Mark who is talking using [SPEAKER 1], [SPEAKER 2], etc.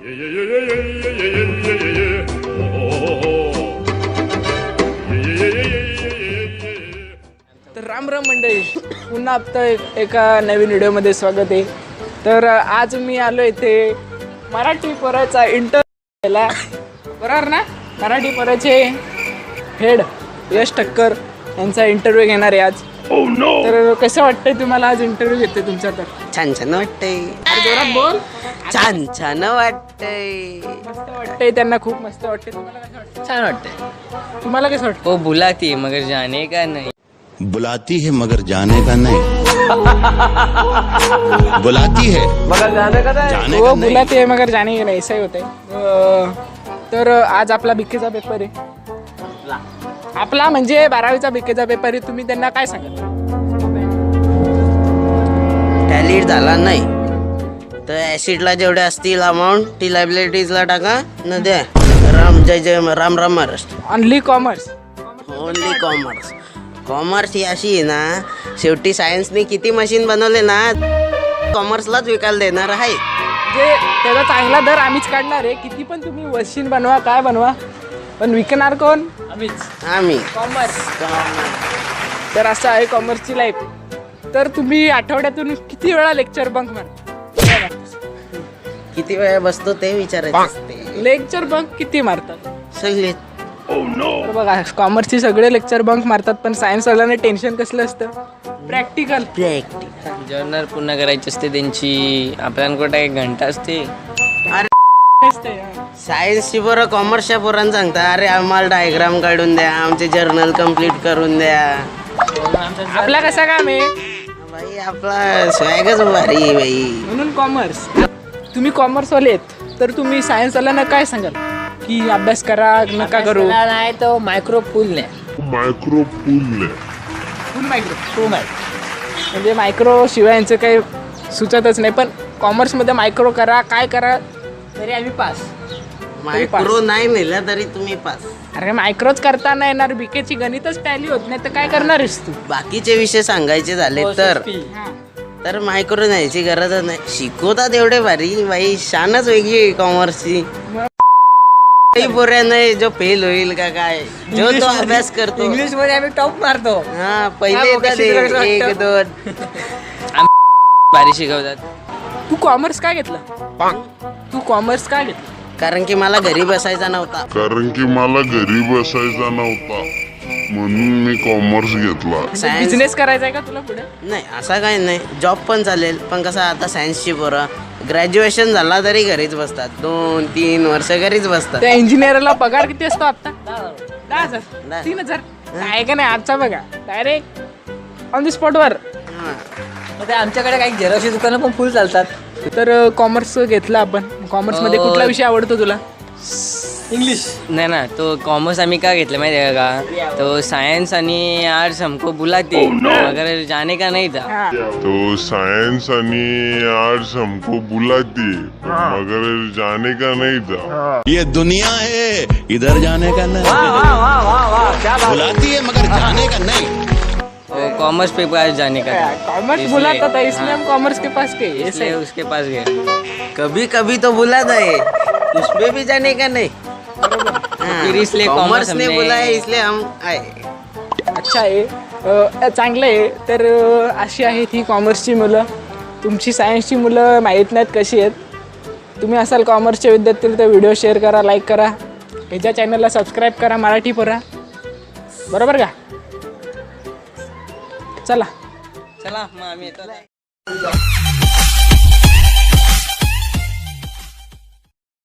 [SPEAKER 1] तर राम राम मंडळी, पुन्हा आता एका नवीन व्हिडिओमध्ये स्वागत आहे. तर आज मी आलो इथे मराठी पोराचा इंटरव्ह्यू घ्यायला. बरोबर ना? मराठी पोराचे हेड यश ठक्कर यांचा इंटरव्ह्यू घेणार आहे आज. तर कसं वाटतंय तुम्हाला आज इंटरव्ह्यू घेते तुमचा? तर
[SPEAKER 2] छान छान वाटतंय.
[SPEAKER 1] जोरात बोल.
[SPEAKER 2] छान छान वाटतंय.
[SPEAKER 1] मस्त वाटतंय त्यांना, खूप मस्त वाटतंय. तुम्हाला कसं वाटतं?
[SPEAKER 3] छान वाटतंय.
[SPEAKER 1] तुम्हाला कसं वाटतं?
[SPEAKER 3] वो बुलाती है मगर जाने का नहीं.
[SPEAKER 4] बुलाती है मगर जाने का नहीं. बुलाती है
[SPEAKER 3] मगर जाने का नहीं.
[SPEAKER 1] वो बुलाते है मगर जाने का नहीं, ऐसा ही होता है. तर आज आपला बीकेचा पेपर आहे. आपला म्हणजे 12वीचा बीकेचा पेपर आहे. तुम्ही त्यांना काय सांगाल?
[SPEAKER 2] टॅलीट झाला नाही तर ऍसिडला जेवढे असतील अमाऊंट ती लायबिलिटीजला टाका न द्या. राम जय जय Ram Ram Maharashtra.
[SPEAKER 1] Only commerce.
[SPEAKER 2] Only commerce. Commerce ही अशी आहे ना, शेवटी सायन्सने किती मशीन बनवले ना, कॉमर्सलाच विकायला देणार आहे.
[SPEAKER 1] म्हणजे त्याचा चांगला दर आम्हीच काढणार आहे. किती पण तुम्ही मशीन बनवा, काय बनवा, पण विकणार कोण?
[SPEAKER 2] आम्ही
[SPEAKER 1] कॉमर्स. तर असं आहे कॉमर्सची लाईफ. तर तुम्ही आठवड्यातून किती वेळा लेक्चर बंक मारता?
[SPEAKER 2] किती वेळा बसतो ते विचारायचं असते.
[SPEAKER 1] लेक्चर बंक किती मारतात?
[SPEAKER 2] सगळे
[SPEAKER 1] तर बघा, कॉमर्सचे सगळे लेक्चर बंक मारतात, पण सायन्स वाल्याने टेन्शन कसलं असतं? प्रॅक्टिकल.
[SPEAKER 3] जर्नल पूर्ण करायची असते त्यांची. आपल्याकडे एक घंटा असते.
[SPEAKER 2] सायन्सची पोरं कॉमर्सच्या पोरांना सांगता, अरे आम्हाला डायग्राम काढून द्या, आमचे जर्नल कम्प्लीट करून द्या.
[SPEAKER 1] आपला कसा काम आहे?
[SPEAKER 2] बाई आपला स्वॅगच भारी आहे बाई.
[SPEAKER 1] म्हणून कॉमर्स. तुम्ही कॉमर्सवाले आहेत, तर तुम्ही सायन्सवाल्यांना काय सांगाल? की अभ्यास करा नका करू?
[SPEAKER 3] नाही तो मायक्रो पूल ने.
[SPEAKER 1] फुल मायक्रो. म्हणजे मायक्रो शिवाय यांचं काही सुचतच नाही. पण कॉमर्समध्ये मायक्रो करा, काय करा, तरी आम्ही पास.
[SPEAKER 2] मायक्रो नाही नेला तरी तुम्ही पास.
[SPEAKER 1] अरे मायक्रोच करता नाही येणार, बीकेची गणितच टॅली होत नाही, तर काय करणारच तू?
[SPEAKER 2] बाकीचे विषय सांगायचे झाले तर मायक्रो न्यायची गरजच नाही. शिकवतात एवढे भारी बाई, शानच वेगळी आहे कॉमर्सची. पोऱ्या नाही जो फेल होईल का काय, जो तो अभ्यास करतो.
[SPEAKER 3] इंग्लिश मध्ये आम्ही टॉप मारतो.
[SPEAKER 2] हा पहिले येतात 1 2.
[SPEAKER 3] भारी शिकवतात.
[SPEAKER 1] तू कॉमर्स काय घेतलं? तू कॉमर्स काय घेतलं?
[SPEAKER 2] कारण की मला घरी बसायचा नव्हता.
[SPEAKER 5] म्हणून मी कॉमर्स घेतला.
[SPEAKER 2] सायन्स
[SPEAKER 1] बिझनेस करायचा आहे का तुला पुढे?
[SPEAKER 2] नाही, असा काही नाही. जॉब पण चालेल, पण कसं आता सायन्सची पोरं ग्रॅज्युएशन झाला तरी घरीच बसतात. 2-3 वर्ष घरीच बसतात.
[SPEAKER 1] त्या इंजिनियरला पगार किती असतो आता? 10,000 3,000 काय का नाही? आजचा बघा, डायरेक्ट ऑन द स्पॉटवर.
[SPEAKER 3] आमच्याकडे काही झेरॉक्सची दुकानं पण फुल चालतात.
[SPEAKER 1] तर कॉमर्स घेतलं आपण. कॉमर्समध्ये कुठला विषय आवडतो तुला?
[SPEAKER 3] इंग्लिश नाही ना, तो कॉमर्स आम्ही का घेतलं माहिती आहे का? तो सायन्स आणि आर्ट्स हमको बुलाते मगर जाने का नहीं था.
[SPEAKER 1] हा.
[SPEAKER 5] तो सायन्स आणि आर्ट्स हमको बुलाती मगर जाने का नहीं था.
[SPEAKER 4] ये दुनिया है, इधर जाने का नहीं. बुलाती है मगर जाने का नहीं.
[SPEAKER 3] वो कॉमर्स पे पास जाने का था.
[SPEAKER 1] कॉमर्स बुलाता था, इसलिए हम कॉमर्स के पास गए. ऐसे
[SPEAKER 3] इसलिए उसके पास गए.
[SPEAKER 2] कभी कभी तो बुलाता है, उसमें भी जाने का नहीं.
[SPEAKER 3] फिर इसलिए
[SPEAKER 2] कॉमर्स ने
[SPEAKER 3] हमने-
[SPEAKER 2] बुलाया इसलिए हम आए.
[SPEAKER 1] अच्छा आहे. चांगलं आहे. तर अशी आहेत ही कॉमर्सची मुलं. तुमची सायन्सची मुलं माहीत नाहीत कशी आहेत. तुम्ही असाल कॉमर्सचे विद्यार्थी तर व्हिडिओ शेअर करा, लाईक करा, ह्याच्या चॅनलला सबस्क्राईब करा, मराठी पोरा. बरोबर का? चला.
[SPEAKER 3] चला मग आम्ही येतो.